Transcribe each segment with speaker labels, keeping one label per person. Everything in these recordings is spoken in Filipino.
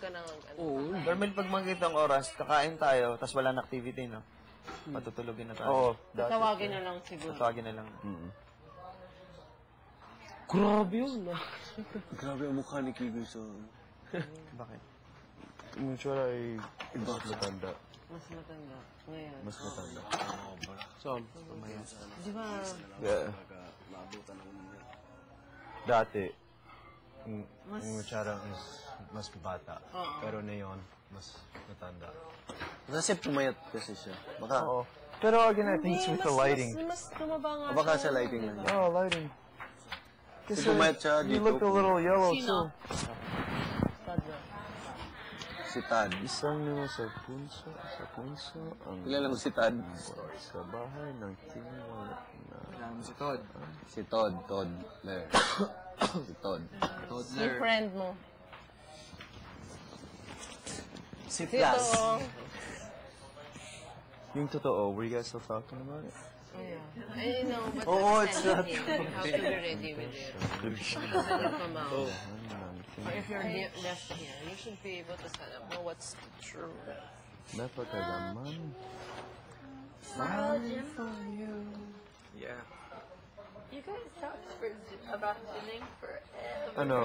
Speaker 1: ka ng ano.
Speaker 2: Oo.
Speaker 3: Normal pag makikita ang oras, kakain tayo, tapos wala na activity, no? Matutulogin na tayo.
Speaker 4: Oo.
Speaker 1: Tawagin na lang siguro.
Speaker 3: Tatawagin na lang.
Speaker 2: Grabe yun.
Speaker 4: Grabe ang mukha ni Kigoy sa...
Speaker 3: Bakit?
Speaker 4: Yung tsura ay mas matanda.
Speaker 1: Mas matanda. Ngayon.
Speaker 4: Mas matanda.
Speaker 2: Saan?
Speaker 1: Di ba?
Speaker 4: Yeah. Dati, yung tsura is mas bata. Pero ngayon, mas matanda.
Speaker 2: Kasi pumayat kasi siya. Baka.
Speaker 4: Oo. Pero again, I think it's with the lighting.
Speaker 1: Mas tumaba nga.
Speaker 2: Baka sa lighting lang.
Speaker 4: Oh, lighting. Kasi
Speaker 2: pumayat siya
Speaker 4: you
Speaker 2: dito.
Speaker 4: look a little yellow too.
Speaker 2: Si Tad.
Speaker 4: Isang naman sa punso, ang
Speaker 2: Kilala mo si Tad?
Speaker 4: sa bahay ng tingwala na...
Speaker 3: Kailangan mo si Todd.
Speaker 2: Si Todd. Toddler. Si Todd.
Speaker 1: Yung friend mo.
Speaker 3: Si Plus.
Speaker 4: Yung totoo, were you guys still talking about it?
Speaker 1: Yeah. I know, but
Speaker 3: it's
Speaker 1: not. You have to be ready with it. Doesn't come out. Or if you're left here, you should be able to know what's true.
Speaker 4: Napakagaman.
Speaker 3: Yeah.
Speaker 5: You guys talked about gymming forever.
Speaker 4: Ano?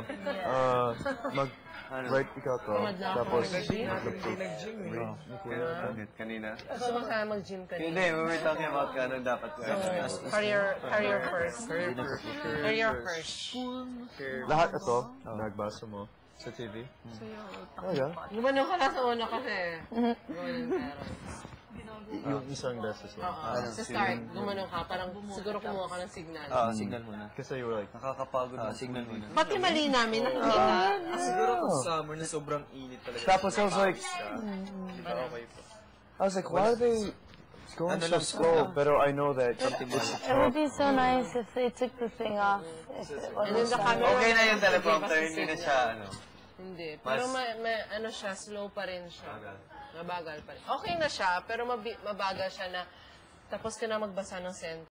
Speaker 4: Right, ikaw to. Tapos,
Speaker 3: Nag-gym
Speaker 2: Kanina?
Speaker 1: Gusto mo kaya mag-gym ka
Speaker 2: Hindi, we were talking about kano dapat ko.
Speaker 1: Career first. Career first.
Speaker 4: lahat ito, nagbasa mo sa TV? Oh, yeah?
Speaker 1: Gumano ka na sa una kasi. Gumano pero.
Speaker 4: Yung isang beses lang.
Speaker 1: Sa start, gumano ka. Parang siguro kumuha ka ng signal.
Speaker 3: Signal muna.
Speaker 4: Kasi you were like,
Speaker 2: Nakakapagod na.
Speaker 3: Signal muna.
Speaker 1: Pati mali namin, nakikita.
Speaker 3: Siguro kung summer na sobrang init talaga.
Speaker 4: tapos I was like,
Speaker 3: Okay po.
Speaker 4: I was like, why are they going so slow? Pero I know that it's
Speaker 5: It would be so nice if they took the thing off. If it
Speaker 1: And then
Speaker 5: wasn't
Speaker 1: the camera.
Speaker 2: Okay na yung teleprompter,
Speaker 1: Give us
Speaker 2: hindi na
Speaker 1: signal.
Speaker 2: siya, ano.
Speaker 1: Hindi. Pero ano siya, slow pa rin siya. Mabagal pa rin. Okay na siya, pero mabagal siya na tapos ka na magbasa ng sentence.